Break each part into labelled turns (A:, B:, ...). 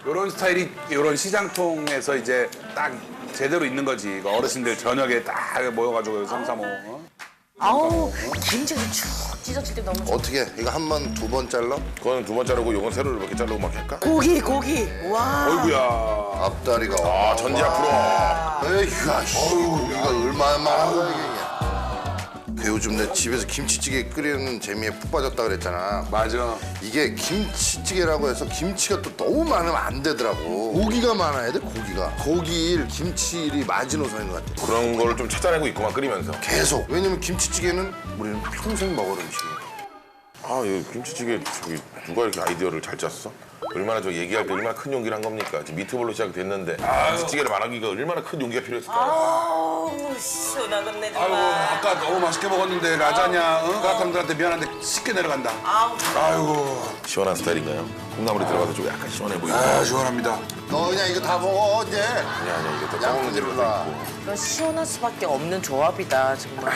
A: 이런 스타일이 이런 시장통에서 이제 딱 제대로 있는 거지. 이거 어르신들 저녁에 딱 모여가지고 삼삼오.
B: 아우 김치가 쭉 찢어질 때 너무 좋아.
C: 어떻게 이거 한 번, 두 번 잘라?
D: 그거는 두 번 자르고 요건 세로로 이렇게 자르고 막 할까?
B: 고기 와.
A: 어이구야.
C: 앞다리가.
D: 아 전지 앞으로.
C: 에휴, 아이씨. 이거 얼마나 하는 거야, 이게. 그 요즘 내 집에서 김치찌개 끓이는 재미에 푹 빠졌다 그랬잖아.
A: 맞아.
C: 이게 김치찌개라고 해서 김치가 또 너무 많으면 안 되더라고. 고기가 많아야 돼, 고기가. 고기일, 김치일이 마지노선인 것 같아.
D: 그런 걸 좀 찾아내고 있구만 끓이면서.
C: 계속. 왜냐면 김치찌개는 우리는 평생 먹을 음식이야.
D: 아, 이 김치찌개 저기 누가 이렇게 아이디어를 잘 짰어? 얼마나 저 얘기할 때 얼마나 큰 용기를 한 겁니까? 지금 미트볼로 시작됐는데 김치찌개를 말하기가 얼마나 큰 용기가 필요했을까요?
B: 아우 시원하겠네
A: 아이고
B: 정말.
A: 아까 너무 맛있게 먹었는데 라자냐 가람들한테 미안한데 쉽게 내려간다.
B: 아우
A: 아이고.
D: 시원한 스타일인가요? 콩나물이 들어가서 좀 약간 시원해 보이고.
A: 아 시원합니다.
C: 너 그냥 이거 다 먹어, 이제.
D: 아니야, 이게 또 떠먹는 재료도
C: 양푼
D: 있고.
B: 이건 시원할 수밖에 없는 조합이다 정말.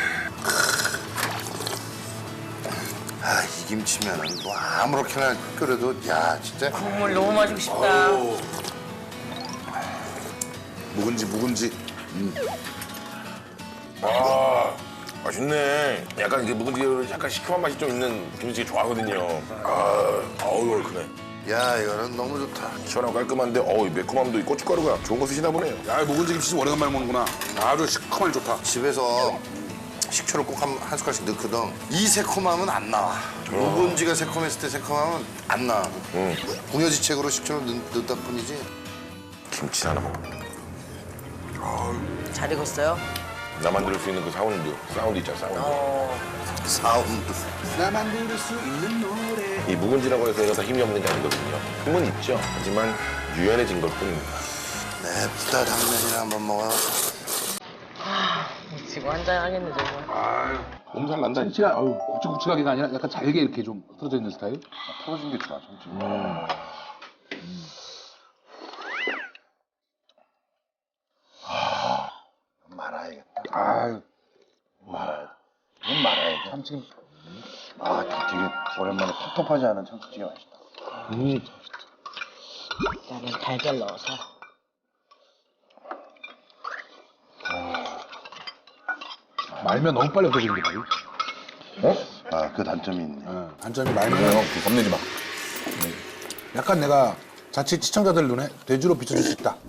C: 아, 이 김치면은 뭐 아무렇게나 끓여도 야, 진짜.
B: 국물 너무 마시고 싶다.
A: 묵은지.
D: 아, 맛있네. 약간 이게 묵은지에 약간 시큼한 맛이 좀 있는 김치찌개 좋아하거든요. 어우, 얼큰해.
C: 야, 이거는 너무 좋다.
D: 시원하고 깔끔한데, 이 매콤함도 이 고춧가루가 좋은 거 쓰시나 보네요.
A: 야 묵은지 김치 오래간만에 먹는구나. 아주 시커멀 좋다.
C: 집에서 식초를 꼭 한 숟갈씩 넣거든. 이 새콤함은 안 나와. 묵은지가 새콤했을 때 새콤함은 안 나와. 궁여지책으로 식초를 넣다 뿐이지.
D: 김치 하나 먹어.
B: 잘 익었어요?
D: 나만 들을 수 있는 그 사운드 있잖아, 사운드.
C: 사운드.
A: 나만 들을 수 있는 노래.
D: 이 묵은지라고 해서 얘가 다 힘이 없는 게 아니거든요. 힘은 있죠. 하지만 유연해진 걸 뿐입니다.
C: 냅다 당면이나 한번 먹어.
B: 지금 한잔 하겠네 정말.
A: 아유.
D: 몸살 난다.
A: 진짜 굵직굵직하게가 아니라 약간 잘게 이렇게 좀 틀어져 있는 스타일?
D: 풀어진 게 좋아, 정치.
C: 말아야겠다.
A: 아유.
C: 이건 말아야지.
A: 참치김.
C: 아, 되게 오랜만에 텁텁하지 않은 참치찌개 맛있다.
B: 나는 달걀 넣어서.
A: 말면 너무 빨리 없어지는 게 말이야.
C: 아, 그 단점이 있네.
A: 단점이 말면
D: 겁내지 마.
A: 약간 내가 자칫 시청자들 눈에 돼지로 비춰질 수 있다.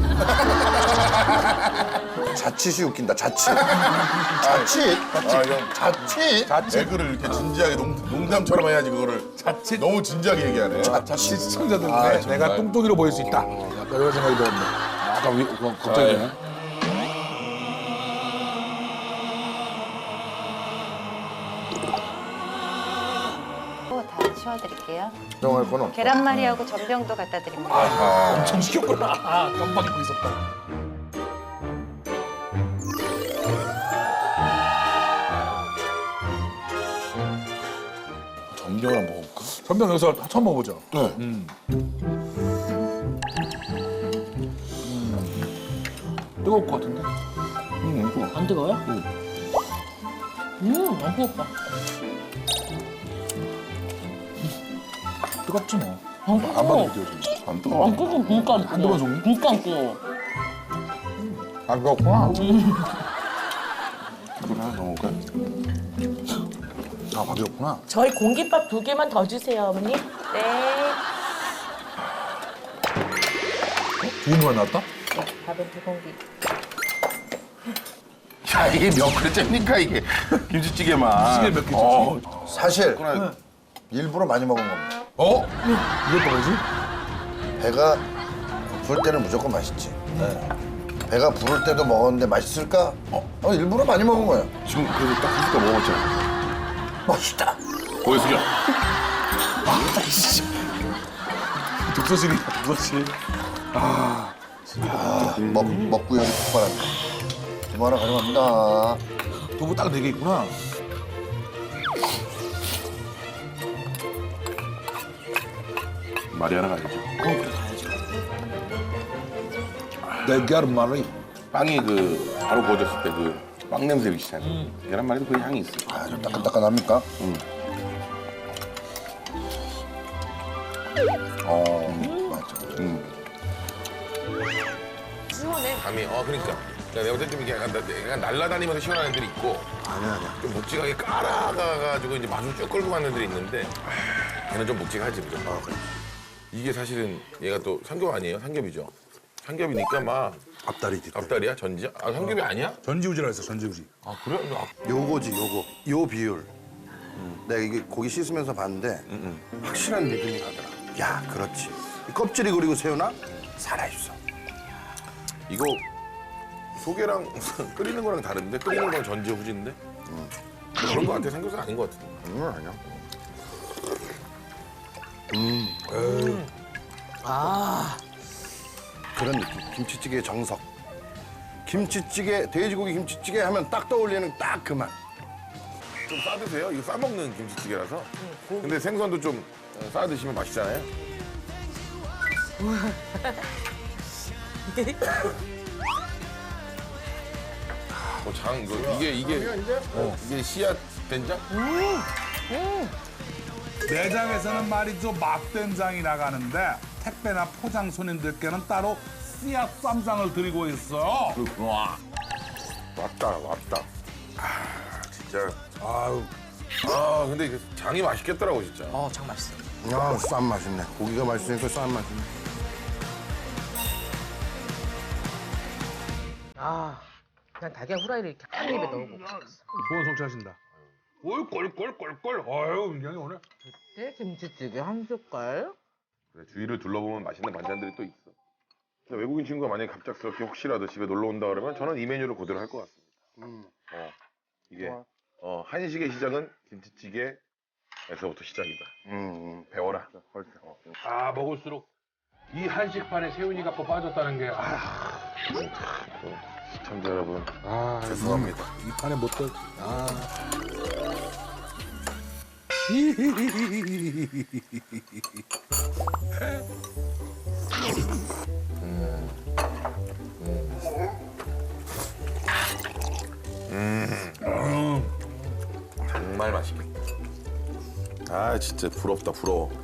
C: 자칫이 웃긴다, 자칫. 자칫? 자칫?
D: 개그를 이렇게 진지하게 농담처럼 해야지 그거를 너무 진지하게 얘기하네.
A: 자칫 시청자들 눈에 내가 뚱뚱이로 보일 수 있다. 약간 이런 생각이 들었는데. 약간 걱정이 되네.
E: 다 치워드릴게요.
C: 걱정할 건 없어.
E: 계란말이하고 전병도 갖다 드립니다.
A: 엄청 시켰구나. 깜빡 잊고 있었다.
D: 전병을 한번 먹어볼까?
A: 전병 여기서 처음 먹어보죠.
D: 네.
A: 뜨거울 것 같은데?
B: 안 뜨거워요? 안 뜨겁다.
A: 뜨겁지 뭐.
B: 안
A: 안
B: 뜨거워.
A: 봐도 느껴져.
D: 안 뜨거워.
B: 안 뜨거워. 그러니까 안 뜨거워.
A: 안 뜨거워, 종이?
B: 그러니까 안 뜨거워.
A: 안 뜨겁구나.
D: 그거 하나 더 먹을까?
A: 아, 밥이었구나.
B: 저희 공깃밥 2개만 더 주세요, 어머니. 네.
A: 두 개만 나왔다?
B: 네, 밥은 2공기.
D: 야, 이게 몇 그릇째입니까, 이게? 김치찌개만.
A: 시계 몇 개지?
C: 사실 일부러 많이 먹은 겁니다.
A: 이것도 뭐지?
C: 배가 고플 때는 무조건 맛있지. 배가 부를 때도 먹었는데 맛있을까? 일부러 많이 먹은 거야.
D: 지금 그래도 딱 한 숟갈 먹었잖아.
C: 맛있다.
D: 고개 숙여.
A: 독서실이다, 독서실.
C: 먹구역이 폭발한다. 두부 하나 가져갑니다.
A: 두부 딱 4개 있구나.
D: 말이 하나 가야죠.
A: 내 계란말이.
D: 빵이 바로 구워졌을 때 빵 냄새 비슷하네. 계란말이도 그 향이 있어.
C: 아, 좀 따끈따끈합니까? 맞아.
B: 시원해.
D: 감이 그러니까 내가 볼 때 좀 이렇게 약간 날라다니면서 시원한 애들이 있고
C: 아니야.
D: 좀 묵직하게 깔아가가지고 이제 맛을 쭉 끌고 가는 애들이 있는데 걔는 좀 묵직하지 무조건. 이게 사실은 얘가 또 삼겹 아니에요? 삼겹이죠. 삼겹이니까 막
C: 앞다리 뒷다리.
D: 앞다리야? 전지야? 삼겹이 아니야?
A: 전지우지라 했어, 전지우지.
D: 아 그래?
C: 요거지 요거. 요 비율. 내가 이게 고기 씻으면서 봤는데 확실한 믿음이 가더라. 야 그렇지. 이 껍질이 그리고 새우나 살아있어.
D: 이거 소개랑 끓이는 거랑 다른데 끓이는 건 전지 후지인데 그런 거 같아. 삼겹살 아닌 거 같은데.
C: 아니야. 그런 느낌. 김치찌개의 정석. 김치찌개, 돼지고기 김치찌개 하면 딱 떠올리는 딱 그 맛.
D: 좀 싸드세요. 이거 싸먹는 김치찌개라서. 근데 생선도 좀 싸드시면 맛있잖아요. 이게 씨앗 된장?
A: 매장에서는 말이죠, 맛된장이 나가는데 택배나 포장 손님들께는 따로 씨앗 쌈장을 드리고 있어요.
D: 왔다. 진짜.
A: 아유,
D: 근데 이게 장이 맛있겠더라고 진짜.
B: 장 맛있어.
C: 아, 쌈 맛있네. 고기가 맛있으니까 쌈 맛있네.
B: 그냥 달걀 후라이를 이렇게 한 입에 넣고 먹겠어.
A: 좋은 성취하신다. 어이, 꼴꼴꼴꼴. 아유, 민경이 오늘.
B: 김치찌개 한 숟갈.
D: 그래, 주위를 둘러보면 맛있는 반찬들이 또 있어. 근데 외국인 친구가 만약에 갑작스럽게 혹시라도 집에 놀러 온다 그러면 저는 이 메뉴를 그대로 할 것 같습니다. 이게 한식의 시작은 김치찌개에서부터 시작이다. 배워라.
F: 먹을수록 이 한식판에 세훈이가 또 빠졌다는 게
D: 시청자 여러분.
C: 죄송합니다.
A: 이 판에 못 들.
D: 정말 맛있겠다. 진짜 부럽다 부러워.